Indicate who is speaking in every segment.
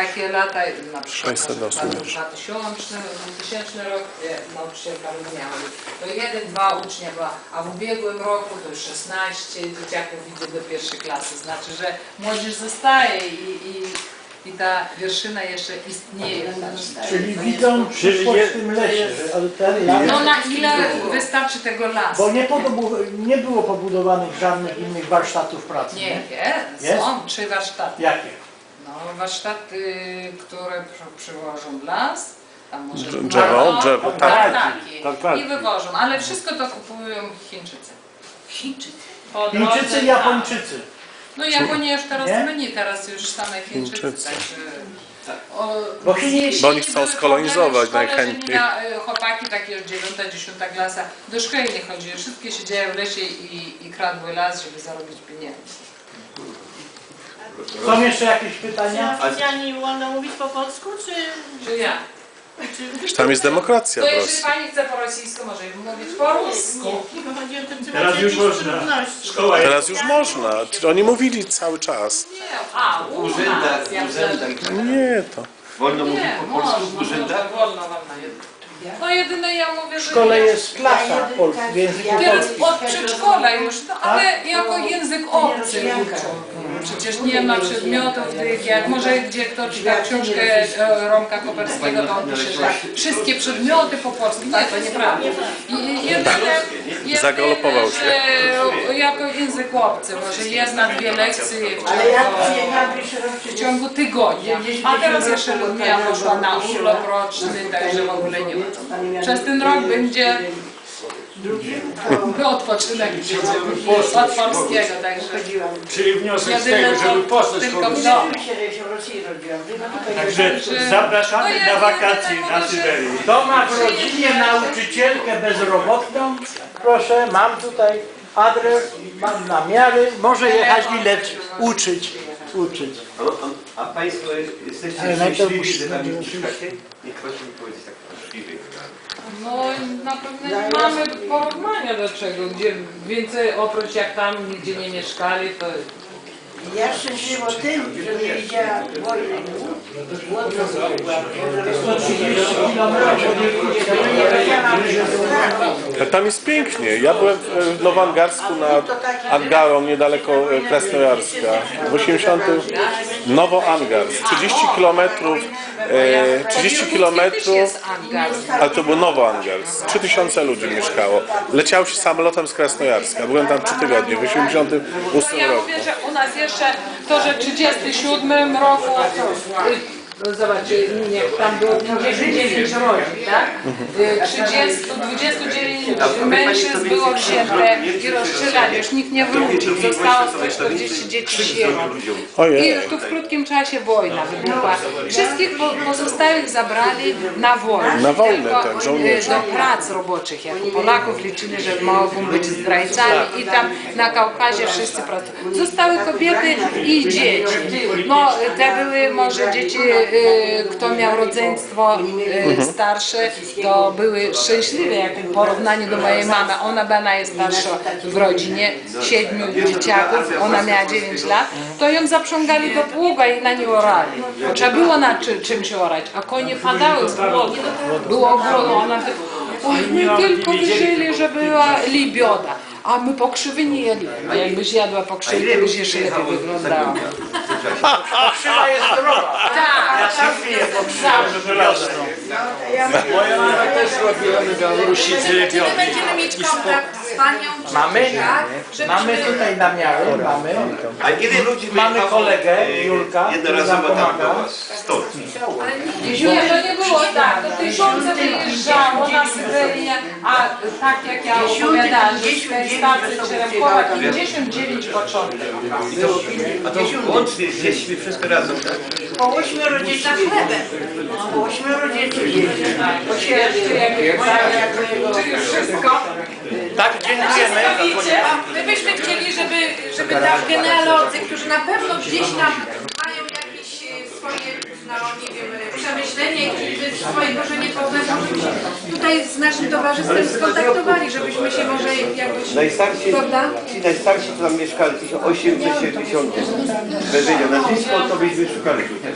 Speaker 1: takie lata, na przykład
Speaker 2: 600 osób.
Speaker 1: 2000 rok nauczycielka miała. To 1-2 ucznia była, a w ubiegłym roku to już 16 dzieciaków idzie do pierwszej klasy. Znaczy, że młodzież zostaje i ta wierszyna jeszcze istnieje.
Speaker 3: Czyli widzą przyszłość w tym lesie, ale ten las...
Speaker 1: No na ile wystarczy tego lasu?
Speaker 3: Bo nie było pobudowanych żadnych innych warsztatów pracy, nie?
Speaker 1: Są 3 warsztaty.
Speaker 3: Jakie?
Speaker 1: No, warsztaty, które przywożą las, tam może
Speaker 2: Drzewo, tak.
Speaker 1: I wywożą, ale wszystko to kupują Chińczycy.
Speaker 3: Chińczycy, Japończycy.
Speaker 1: No Japonia już teraz
Speaker 3: Nie?
Speaker 1: mniej, teraz już same Chińczycy, także...
Speaker 2: Bo oni chcą skolonizować najchętniej.
Speaker 1: Chłopaki takie już 9-10 klasa do szkoły nie chodziły, wszystkie siedziały w lesie i kradły las, żeby zarobić pieniędzy.
Speaker 3: Są jeszcze jakieś pytania?
Speaker 4: Oficjalnie wolno mówić po polsku,
Speaker 1: Czy ja?
Speaker 2: Tam jest demokracja
Speaker 1: To
Speaker 2: w
Speaker 1: jeśli
Speaker 2: Rosji.
Speaker 1: pani chce po rosyjsku, może mówić po rusku.
Speaker 4: Nie, chodzi o to, czy
Speaker 5: Teraz
Speaker 4: macie
Speaker 5: już
Speaker 4: jakieś
Speaker 5: można.
Speaker 4: trudności.
Speaker 5: Szkoła jest.
Speaker 2: Teraz już można. Oni mówili cały czas.
Speaker 1: Nie, u nas, ja
Speaker 2: Nie, to.
Speaker 6: Wolno mówić
Speaker 1: nie,
Speaker 6: po polsku w
Speaker 1: można,
Speaker 6: urzędach?
Speaker 1: wolno. No jedyne ja mówię,
Speaker 3: W
Speaker 1: że
Speaker 3: szkole
Speaker 1: nie.
Speaker 3: jest klasa w języku
Speaker 1: Teraz
Speaker 3: polskim.
Speaker 1: od przedszkola już, no ale jako język obcy uczą. Przecież nie ma przedmiotów tych, jak może gdzie kto czyta książkę Romka Koperskiego, to on pisze, że wszystkie przedmioty po polsku. Nie, to nieprawda. I jedyne,
Speaker 2: Zagalopował się.
Speaker 1: że jako język obcy, może 1-2 lekcje w ciągu tygodnia. A teraz jeszcze Ludmila poszła na urlop roczny, także w ogóle nie ma. Przez ten rok będzie odpoczynek od polskiego, także
Speaker 5: Czyli wniosek z
Speaker 1: jedyne
Speaker 5: tego, żeby
Speaker 1: co
Speaker 5: poszedł
Speaker 1: tylko w
Speaker 5: kogoś.
Speaker 1: domu.
Speaker 5: Także zapraszamy na wakacje na Syberię.
Speaker 3: Kto ma w rodzinie nauczycielkę bezrobotną? Proszę, mam tutaj adres, mam namiary, może jechać uczyć.
Speaker 6: A Państwo jesteście
Speaker 3: Ale najpierw
Speaker 6: szczęśliwi,
Speaker 3: musi-
Speaker 6: że tam mieszkacie? Niech proszę mi powiedzieć tak szczęśliwy.
Speaker 1: No na pewno nie mamy porównania do czego, gdzie więcej oprócz jak tam nigdzie nie mieszkali, to
Speaker 7: Ja szczęśliwa tym, że nie widziała wojny.
Speaker 3: 130 kilometrów.
Speaker 2: Tam jest pięknie. Ja byłem w Nowoangarsku nad Angarą, niedaleko Krasnojarska. W 80. Nowoangarsk. 30 kilometrów. 30 kilometrów. Ale to był Nowoangarsk. 3000 ludzi mieszkało. Leciało się samolotem z Krasnojarska. Byłem tam 3 tygodnie, w 88
Speaker 1: ja
Speaker 2: roku.
Speaker 1: mówię, że u nas jeszcze to, że w 37 roku, no zobaczcie, jak tam było 59 rodzin, tak? 29 mężczyzn było wzięte i rozstrzelane, już nikt nie wrócił, zostało 140 dzieci sierot. I
Speaker 2: Ojej.
Speaker 1: tu w krótkim czasie wojna wybuchła. Wszystkich pozostałych zabrali na wojnę.
Speaker 2: Na wojnę,
Speaker 1: Tylko,
Speaker 2: tak, żołnierzy.
Speaker 1: do prac roboczych, jak Polaków liczyli, że mogą być zdrajcami i tam na Kaukazie wszyscy pracują. Zostały kobiety i dzieci. No, te były może dzieci, kto miał rodzeństwo starsze, to były szczęśliwe, jak w porównaniu do mojej mamy. Ona była najstarsza w rodzinie, 7 dzieciaków, ona miała 9 lat, to ją zaprzągali do pługa i na nie orali. Trzeba było na czymś orać, a konie padały z głodu. Było głodu, ona oj, my tylko wyżyli, że była libioda. A my pokrzywy nie jedli. A jakbyś jadła pokrzywy, to byś jeszcze lepiej wyglądała.
Speaker 3: Krzywa jest zdrowa.
Speaker 1: Tak,
Speaker 5: Moja mama też robiła na Białorusi z lebią.
Speaker 1: będziemy mieć kontakt z panią.
Speaker 3: Mamy? Mamy tutaj namiary, mamy.
Speaker 6: A ile ludzi
Speaker 3: Mamy
Speaker 6: wyjechało,
Speaker 3: kolegę, Julka, który nam
Speaker 6: jednorazowo tam do
Speaker 3: pomaga.
Speaker 6: Was? Stąd.
Speaker 1: Nie, to nie było tak. To tysiące wyjeżdżało na Syberię, a tak jak ja opowiadałam, że z tej stacji Czeremkowa 59 początek.
Speaker 6: A to łącznie z dziećmi wszystko razem, tak?
Speaker 7: Po 8 dzieci chlebem. Po 8 dzieci.
Speaker 1: Czy już wszystko?
Speaker 3: Tak, dziękujemy.
Speaker 8: My byśmy chcieli, żeby tam genealodzy, którzy na pewno gdzieś tam mają jakieś swoje, no nie wiem, przemyślenia korzenie i swoje korzenie poznać, żebyśmy się tutaj z naszym towarzystwem skontaktowali, żebyśmy się może jakoś,
Speaker 6: Najstarsi,
Speaker 8: prawda?
Speaker 6: ci najstarsi to tam mieszkali 1810. Wężenia. Nazwisko to byśmy szukali tutaj.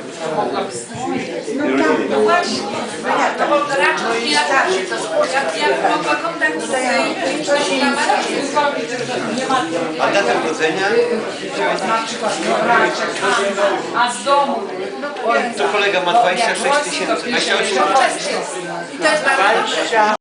Speaker 8: No właśnie, to bo raczej nie latarzy, to jak mogła kontakt z większością
Speaker 6: A data urodzenia?
Speaker 8: a z domu.
Speaker 6: To kolega ma 26 000. 28
Speaker 8: I to jest bardzo dobrze.